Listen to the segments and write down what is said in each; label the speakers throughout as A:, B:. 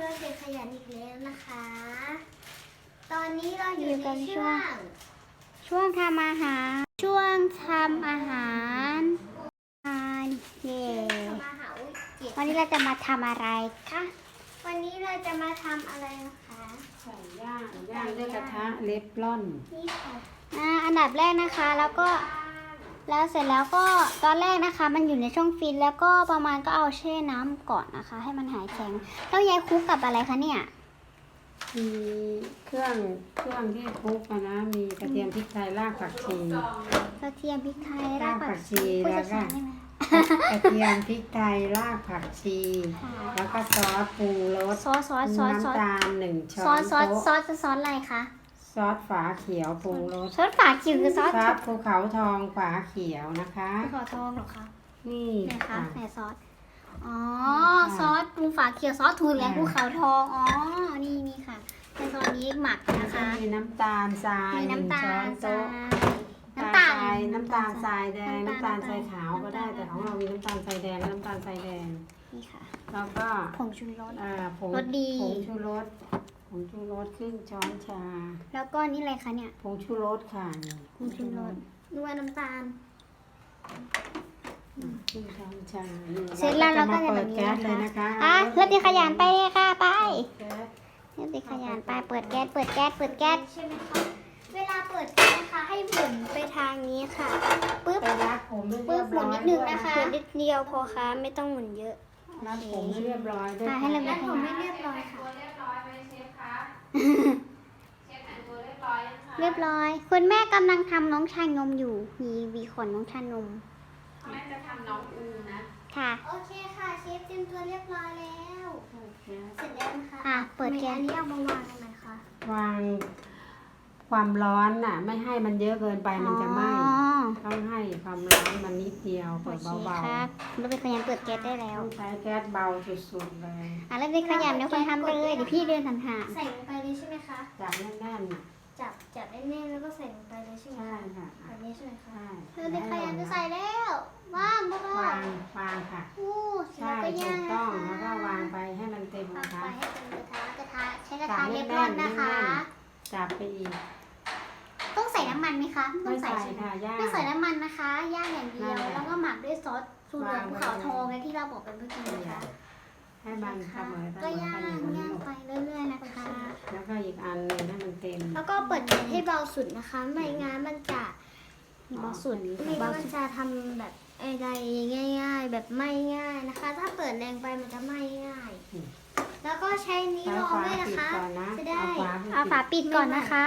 A: เด็กขยันอีกแล้วนะคะ ตอนนี้เราอยู่ในช่วงทำอาหารเย่วันนี้เราจะมาทำอะไรคะวันนี้เราจะมาทำอะไรนะคะ
B: ไก่ย่างด้วยกระทะเล็บร่อน
A: นี่ค่ะอันดับแรกนะคะแล้วเสร็จแล้วก็ตอนแรกนะคะมันอยู่ในช่องฟรีซแล้วก็ประมาณก็เอาแช่น้ำก่อนนะคะให้มันหายแข็งแล้วยายคลุกกับอะไรคะเนี่ย
B: มีเครื่องที่คลุกนะมีกระเทียมพริกไทยรากผักชี
A: กระเทียมพริกไทยรากผักชี
B: แล้วก็กระเทียมพริกไทยรากผักชีแล้วก็ซอสปรุงรสน้ำตาล1 ช้อนโต๊ะ
A: ซอสอะไรคะ
B: ซอสฝาเขียวปรุงรส
A: ซอสฝาเขียวคือซอส
B: ภูเขาทองฝาเขียวนะคะ
A: ภูเขาทองเหรอคะ
B: นี่
A: ไหนคะไหนซอสอ๋อซอสปรุงฝาเขียวซอสทูนและภูเขาทองอ๋อนี่ค่ะในซอสนี้หมักนะคะ
B: มีน้ำตาลทราย1 ช้อนโต๊ะน้ำตาลทรายแดงน้ำตาลทรายขาวก็ได้แต่ของเรามีน้ำตาลทรายแดงและน้ำตาลทรายแดง
A: นี่ค่ะ
B: แล้วก็
A: ผงชูรส
B: รสดีผงชูรสครึ่งช้อนชา
A: แล้วก็นี่อะไรคะเนี่ย
B: ผงชูรสค่ะ
A: ผงชูรสด้วยน้ำตาล
B: ครึ่งช้อนชา
A: เสร็จแล้วเราก็จะ
B: เปิดแก๊สเลยนะคะ
A: เริ่มตีขยันไปเลยค่ะไปเริ่มตีขยันไปเปิดแก๊สใช่ไหมคะเวลาเปิดแก๊สนะคะให้หมุนไปทางนี้ค่ะปึ๊บหมุนนิดนึงนะคะนิดเดียวพอค่ะไม่ต้องหมุนเยอะ
B: รัดผมไม่เรียบร้อยด้วย
A: ให้เรารัดผมไม่เรียบร้อยค่ะเรียบร้อยคุณแม่กำลังทำน้องชายนมอยู่มีวีขนน้องชายนม
B: แม่จะทำน้องอูนะ
A: ค่ะโอเคค่ะเชฟเตรียมตัวเรียบร้อยแล้วเสร็จแล้วนะคะเปิดแก๊สอันนี้เอามาวางตรงไหนคะ
B: วางความร้อนน่ะไม่ให้มันเยอะเกินไปมันจะไหม้ต้องให้ความร้อนมันนิดเดียวเปิดเบาๆ
A: ครับเราไปขยันเปิดแก๊สได้แล้ว
B: ใช้แก๊สเบาสุดๆเลย
A: แล้วไปขยันเดี๋ยวคนทำเลยเดี๋ยวพี่เดินห่างๆใส่ลงไปเลยใช่ไหมคะ
B: จับแน่น
A: ๆจับแน่นๆแล้วก็ใส่ลงไปเลยใช่ไหม
B: ใช่ค่ะ
A: แบบนี้ใช่ไหมคะใช่เราไปขยันจะใส่แล้ววาง
B: ค่ะ
A: ใช่
B: ถูกต้องแล้วก็วางไปให้มันเต็มกระทะ
A: ให้เต็มกระทะใช้กระทะเรียบร้อยนะคะ
B: จับไปอีก
A: ต้องใส่น้ำมันไหมคะ
B: ต้องใส่ค่ะ
A: ไม่ใส่น้ำมันนะคะย่างอย่างเดียวแล้วก็หมักด้วยซอสสูตรภูเขาทองที่เราบอกกันเมื่อกี้นะคะ
B: ให้มันเสมอ
A: ก็ย่างไปเรื่อยๆนะคะ
B: แล้วก็อีกอันนึงให้มันเต็ม
A: แล้วก็เปิดแก๊สให้เบาสุดนะคะไม่งั้นมันจะเบาสุดมันจะทำแบบอะไรง่ายๆแบบไม่ง่ายนะคะถ้าเปิดแรงไปมันจะไม่ง่ายแล้วก็ใช้นี้รองด้วยนะคะจะได้เอาฝาปิดก่อนนะคะ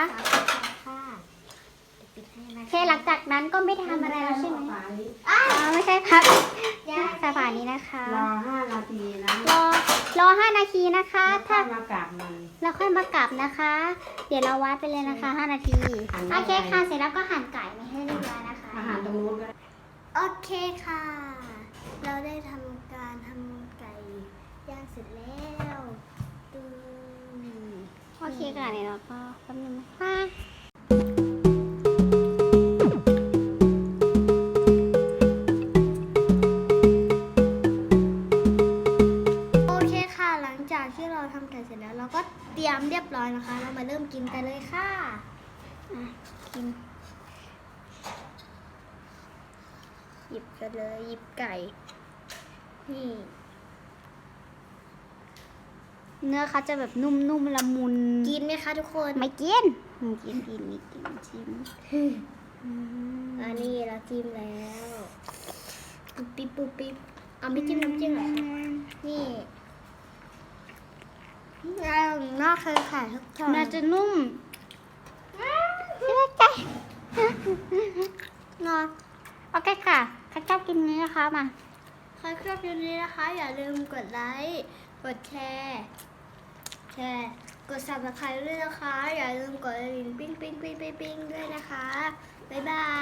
A: แค่หลังจากนั้นก็ไม่ทำอะไรแล้วใช่ไหมไม่ใช่ครับสฝานี้นะคะ
B: รอ5 นาทีนะ
A: รอ5 นาทีนะคะ
B: ถ้ามากลับมัน
A: แล้วค่อยมากลับนะคะเดี๋ยวเราวัดไปเลยนะคะ5 นาทีโอเคค่ะเสร็จแล้วก็หั่นไก่ไม่ให้เรียบร้อยนะคะ
B: อาหารตรงนู้นก็
A: โอเคค่ะเราได้ทำการทำไก่ย่างเสร็จแล้วโอเคค่ะเดี๋ยวเราก็แป๊บนึงนะคะที่เราทำไก่เสร็จแล้วเราก็เตรียมเรียบร้อยนะคะเรามาเริ่มกินกันเลยค่ะกินหยิบกันเลยหยิบไก่นี่เนื้อเขาจะแบบนุ่มๆละมุนกินไหมคะทุกคนไม่กินกินชิมอันนี้เราจิ้มแล้วปุ๊บปิ๊บเอาไม่จิ้มน้ำจิ้มเหรอนี่น่าเคยขายทุกทางน่าจะนุ่มใจนอนโอเคค่ะใครชอบกินนี้นะคะมาใครชอบกินนี้นะคะอย่าลืมกดไลค์กดแชร์กด Subscribe ด้วยนะคะอย่าลืมกดกระดิ่งปิ้งด้วยนะคะบ๊ายบาย